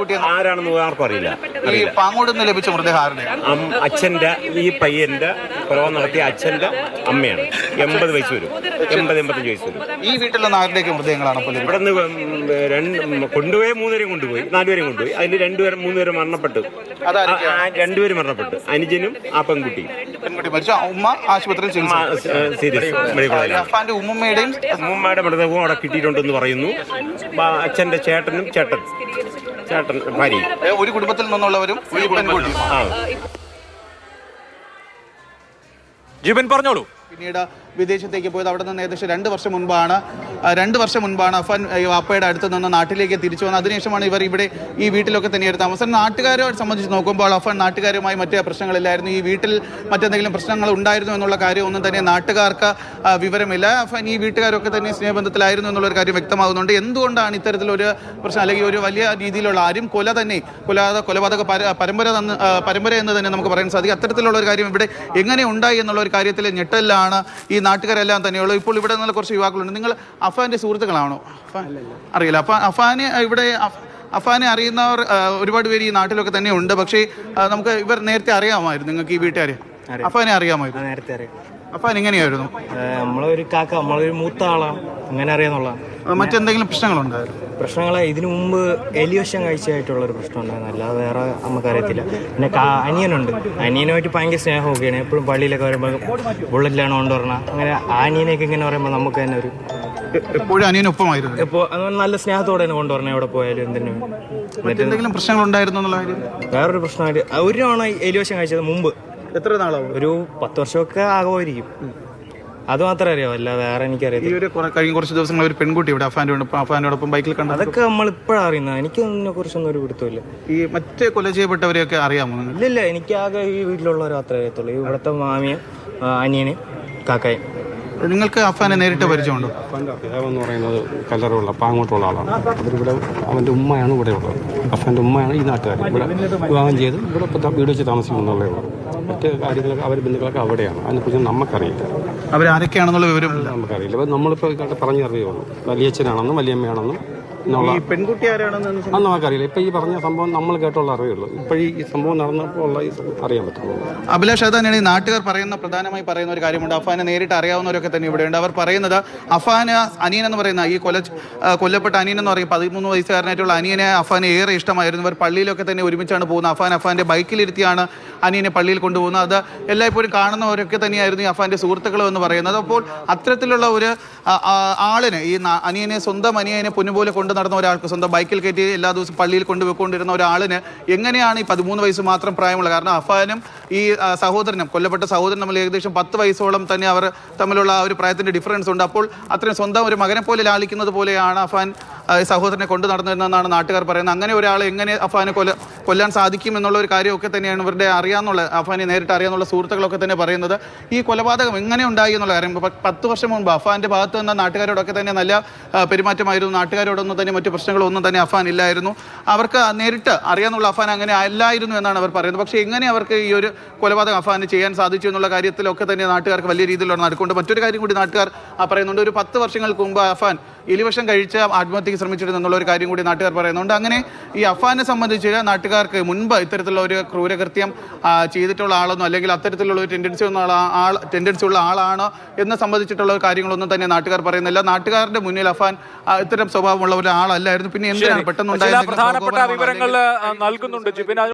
പെൺകുട്ടി ആരാണെന്ന് ആർക്കും അറിയില്ല. ഈ പാങ്ങോട് നിന്ന് ലഭിച്ച മൃതദേഹം ആരുടെ? അച്ഛന്റെ, ഈ പയ്യന്റെ കൊലപാതകം നടത്തിയ അച്ഛന്റെ അമ്മയാണ്. 80 വയസ്സ് വരും, 80-85 വയസ്സ് വരും. ഈ വീട്ടിൽ നിന്ന് ആരുടെയൊക്കെ മൃതദേഹങ്ങളാണ്? ഇവിടെ നിന്ന് കൊണ്ടുപോയി 3 പേരെയും കൊണ്ടുപോയി, 4 പേരെയും കൊണ്ടുപോയി. അതിൽ 2 പേരും 3 പേരും മരണപ്പെട്ടു. 2 പേരും മരണപ്പെട്ടു, അനുജനും ആ പെൺകുട്ടിയും. മരിച്ച ഉമ്മ ആശുപത്രിയിൽ സീരിയസ് മെഡിക്കൽ. അഫാന്റെ ഉമ്മയുടെ മൃതദേഹവും അവിടെ കിട്ടിയിട്ടുണ്ടെന്ന് പറയുന്നു. അച്ഛന്റെ ചേട്ടനും ചേട്ടൻ ഭാര്യയും ഒരു കുടുംബത്തിൽ നിന്നുള്ളവരും ജീവൻ പറഞ്ഞോളൂ. പിന്നീട് വിദേശത്തേക്ക് പോയത്. അവിടെ നിന്ന് ഏകദേശം 2 വർഷം മുൻപാണ് അഫാൻ വാപ്പയുടെ അടുത്ത് നിന്ന് നാട്ടിലേക്ക് തിരിച്ചു വന്നത്. അതിനുശേഷമാണ് ഇവർ ഇവിടെ ഈ വീട്ടിലൊക്കെ തന്നെയായിരുന്നു താമസം. നാട്ടുകാരെ സംബന്ധിച്ച് നോക്കുമ്പോൾ അഫാൻ നാട്ടുകാരുമായി മറ്റേ പ്രശ്നങ്ങളില്ലായിരുന്നു. ഈ വീട്ടിൽ മറ്റെന്തെങ്കിലും പ്രശ്നങ്ങൾ ഉണ്ടായിരുന്നു എന്നുള്ള കാര്യം ഒന്നും തന്നെ നാട്ടുകാർക്ക് വിവരമില്ല. അഫാൻ ഈ വീട്ടുകാരൊക്കെ തന്നെ സ്നേഹബന്ധത്തിലായിരുന്നു എന്നുള്ളൊരു കാര്യം വ്യക്തമാകുന്നുണ്ട്. എന്തുകൊണ്ടാണ് ഇത്തരത്തിലൊരു പ്രശ്നം, അല്ലെങ്കിൽ ഒരു വലിയ രീതിയിലുള്ള ആരും കൊലപാതക പരമ്പര എന്ന് തന്നെ നമുക്ക് പറയാൻ സാധിക്കും. അത്തരത്തിലുള്ള ഒരു കാര്യം ഇവിടെ എങ്ങനെ ഉണ്ടായി എന്നുള്ള ഒരു കാര്യത്തിൽ ഞെട്ടലാണ് ഈ നാട്ടുകാരെല്ലാം തന്നെയുള്ളൂ. ഇപ്പോൾ ഇവിടെ നിന്നുള്ള കുറച്ച് യുവാക്കളുണ്ട്. നിങ്ങൾ അഫാന്റെ സുഹൃത്തുക്കളാണോ? അറിയില്ല. അഫാനെ അറിയുന്നവർ ഒരുപാട് പേര് ഈ നാട്ടിലൊക്കെ തന്നെ ഉണ്ട്. പക്ഷേ നമുക്ക് ഇവർ നേരത്തെ അറിയാമായിരുന്നു. നിങ്ങൾക്ക് ഈ വീട്ടുകാരെ അഫാനെ അറിയാമായിരുന്നു? നേരത്തെ അറിയാം. അഫാൻ എങ്ങനെയായിരുന്നു? നമ്മളൊരു കാക്ക, നമ്മളൊരു മൂത്ത ആളാണ്, അങ്ങനെ അറിയാന്നുള്ള. മറ്റെന്തെങ്കിലും പ്രശ്നങ്ങളുണ്ടായിരുന്നു? പ്രശ്നങ്ങൾ ഇതിനു മുമ്പ് എലിവശം കഴിച്ചായിട്ടുള്ളൊരു പ്രശ്നം ഉണ്ടായിരുന്നു, അല്ലാതെ വേറെ നമുക്കറിയത്തില്ല. പിന്നെ അനിയനുണ്ട്, അനിയനുമായിട്ട് ഭയങ്കര സ്നേഹമൊക്കെയാണ്. എപ്പോഴും പള്ളിയിലൊക്കെ വരുമ്പോൾ ബുള്ളറ്റിലാണ് കൊണ്ടുവരണം. അങ്ങനെ അനിയനെയൊക്കെ ഇങ്ങനെ പറയുമ്പോൾ നമുക്ക് തന്നെ ഒരു എപ്പോഴും അനിയനൊപ്പമായിരുന്നു. ഇപ്പോൾ നല്ല സ്നേഹത്തോടെ തന്നെ കൊണ്ടുവരണം എവിടെ പോയാലും. എന്തെങ്കിലും പ്രശ്നങ്ങളുണ്ടായിരുന്നു എന്നുള്ള കാര്യം? വേറൊരു പ്രശ്നമായിട്ട് ഒരു തവണ എലിവശം കഴിച്ചത് മുമ്പ്. എത്ര നാളാവും? ഒരു 10 വർഷമൊക്കെ ആകുമായിരിക്കും. അത് മാത്രമേ അറിയാവൂ, അല്ല വേറെ എനിക്കറിയാം. ഈ ഒരു കഴിഞ്ഞ കുറച്ച് ദിവസങ്ങൾ ഒരു പെൺകുട്ടി ഇവിടെ അഫാനോടൊപ്പം ബൈക്കിൽ കണ്ടു. അതൊക്കെ നമ്മൾ ഇപ്പോഴാണ് അറിയുന്നത്. എനിക്ക് അതിനെ കുറിച്ചൊന്നും ഒരു പിടുത്തമില്ല. ഈ മറ്റേ കൊല ചെയ്യപ്പെട്ടവരെയൊക്കെ അറിയാമോ? ഇല്ല, എനിക്ക് ആകെ ഈ വീട്ടിലുള്ളവർ മാത്രമേ അറിയത്തുള്ളൂ. ഇവിടുത്തെ മാമിയും അനിയനും കാക്കയും. നിങ്ങൾക്ക് അഫാനെ നേരിട്ട് പരിചയമുണ്ടോ? അഫാൻ്റെ പിതാവെന്ന് പറയുന്നത് കല്ലറുള്ള പാങ്ങോട്ടുള്ള ആളാണ്. അവരിവിടെ അവൻ്റെ ഉമ്മയാണ് ഇവിടെ ഉള്ളത്. അഫാൻ്റെ ഉമ്മയാണ് ഈ നാട്ടുകാർ. ഇവിടെ വിവാഹം ചെയ്ത് ഇവിടെ വീട് വെച്ച് താമസിക്കുന്നുള്ളേ ഉള്ളൂ. മറ്റ് കാര്യങ്ങളൊക്കെ അവർ ബന്ധുക്കളൊക്കെ അവിടെയാണ്. അതിനെക്കുറിച്ച് നമുക്കറിയില്ല. അവരാരൊക്കെയാണെന്നുള്ള വിവരം നമുക്കറിയില്ല. അപ്പോൾ നമ്മളിപ്പോൾ പറഞ്ഞറിയുള്ളൂ, വലിയച്ഛനാണെന്നും വലിയമ്മയാണെന്നും പെൺകുട്ടി ആരാണെന്ന് നമുക്കറിയില്ല. ഇപ്പം ഈ പറഞ്ഞ സംഭവം നമ്മൾ കേട്ടുള്ള അറിയുള്ളൂ. ഇപ്പോഴീ ഈ സംഭവം നടന്നപ്പോൾ ഉള്ള അറിയാൻ പറ്റുള്ളൂ. അഭിലാഷ്, അത് തന്നെയാണ് ഈ നാട്ടുകാർ പ്രധാനമായി പറയുന്ന ഒരു കാര്യമുണ്ട്. അഫാനെ നേരിട്ട് അറിയാവുന്നവരൊക്കെ തന്നെ ഇവിടെയുണ്ട്. അവർ പറയുന്നത് അഫാന് അനിയൻ എന്ന് പറയുന്ന ഈ കൊല്ലപ്പെട്ട അനിയൻ എന്ന് പറയും 13 വയസ്സുകാരനായിട്ടുള്ള അനിയനെ അഫാനെ ഏറെ ഇഷ്ടമായിരുന്നു. ഇവർ പള്ളിയിലൊക്കെ തന്നെ ഒരുമിച്ചാണ് പോകുന്നത്. അഫാന്റെ ബൈക്കിലിരുത്തിയാണ് അനിയനെ പള്ളിയിൽ കൊണ്ടുപോകുന്നത്. അത് എല്ലായ്പ്പോഴും കാണുന്നവരൊക്കെ തന്നെയായിരുന്നു ഈ അഫാന്റെ സുഹൃത്തുക്കളും എന്ന് പറയുന്നത്. അപ്പോൾ അത്തരത്തിലുള്ള ഒരു ആളിനെ, ഈ സ്വന്തം അനിയനെ പൊന്നുപോലെ കൊണ്ടു നടന്ന ഒരാൾക്ക്, സ്വന്തം ബൈക്കിൽ കയറ്റി എല്ലാ ദിവസവും പള്ളിയിൽ കൊണ്ടുപോയിക്കൊണ്ടിരുന്ന ഒരാളിന് എങ്ങനെയാണ് ഈ 13 വയസ്സ് മാത്രം പ്രായമുള്ള? കാരണം അഫാനും ഈ സഹോദരനും, കൊല്ലപ്പെട്ട സഹോദരനും തമ്മിൽ ഏകദേശം 10 വയസ്സോളം തന്നെ അവർ തമ്മിലുള്ള ഒരു പ്രായത്തിന്റെ ഡിഫറൻസ് ഉണ്ട്. അപ്പോൾ അത്രയും സ്വന്തം ഒരു മകനെ പോലെ ലാളിക്കുന്നത് പോലെയാണ് അഫാൻ സഹോദരനെ കൊണ്ടു നടന്നിരുന്നതെന്നാണ് നാട്ടുകാർ പറയുന്നത്. അങ്ങനെ ഒരാളെ എങ്ങനെ അഫാനെ കൊല്ലാൻ സാധിക്കും എന്നുള്ള ഒരു കാര്യമൊക്കെ തന്നെയാണ് ഇവരുടെ അഫാനെ നേരിട്ട് അറിയാന്നുള്ള സുഹൃത്തുക്കളൊക്കെ തന്നെ പറയുന്നത്. ഈ കൊലപാതകം എങ്ങനെ ഉണ്ടായി എന്നുള്ള കാര്യം 10 വർഷം മുമ്പ് അഫാന്റെ ഭാഗത്ത് നിന്ന് നാട്ടുകാരോടൊക്കെ തന്നെ നല്ല പെരുമാറ്റമായിരുന്നു. നാട്ടുകാരോടൊന്നും തന്നെ മറ്റു പ്രശ്നങ്ങളൊന്നും തന്നെ അഫാൻ ഇല്ലായിരുന്നു. അവർക്ക് നേരിട്ട് അറിയാന്നുള്ള അഫാൻ അങ്ങനെ അല്ലായിരുന്നു എന്നാണ് അവർ പറയുന്നത്. പക്ഷേ എങ്ങനെ അവർക്ക് ഈ ഒരു കൊലപാതകം അഫാന് ചെയ്യാൻ സാധിച്ചു എന്നുള്ള കാര്യത്തിലൊക്കെ തന്നെ നാട്ടുകാർക്ക് വലിയ രീതിയിലുള്ള നടക്കുന്നുണ്ട്. മറ്റൊരു കാര്യം കൂടി നാട്ടുകാർ പറയുന്നുണ്ട്. ഒരു 10 വർഷങ്ങൾക്ക് മുമ്പ് അഫാൻ എലിവശം കഴിച്ച് ആത്മഹത്യക്ക് ശ്രമിച്ചിരുന്നു എന്നുള്ള ഒരു കാര്യം കൂടി നാട്ടുകാർ പറയുന്നുണ്ട്. അങ്ങനെ ഈ അഫാനെ സംബന്ധിച്ച് നാട്ടുകാർക്ക് മുൻപ് ഇത്തരത്തിലുള്ള ഒരു ക്രൂരകൃത്യം ചെയ്തിട്ടുള്ള ആളൊന്നും, അല്ലെങ്കിൽ അത്തരത്തിലുള്ള ഒരു ടെൻഡൻസി ഉള്ള ആളാണോ എന്ന് സംബന്ധിച്ചിട്ടുള്ള കാര്യങ്ങളൊന്നും തന്നെ നാട്ടുകാർ പറയുന്നില്ല. നാട്ടുകാരുടെ മുന്നിൽ അഫാൻ ഇത്തരം സ്വഭാവമുള്ള ഒരാളല്ലായിരുന്നു. പിന്നെ എന്തിനാണ് പെട്ടെന്നുണ്ടായ പ്രധാനപ്പെട്ട വിവരങ്ങൾ നൽകുന്നുണ്ട് ജിബിൻ.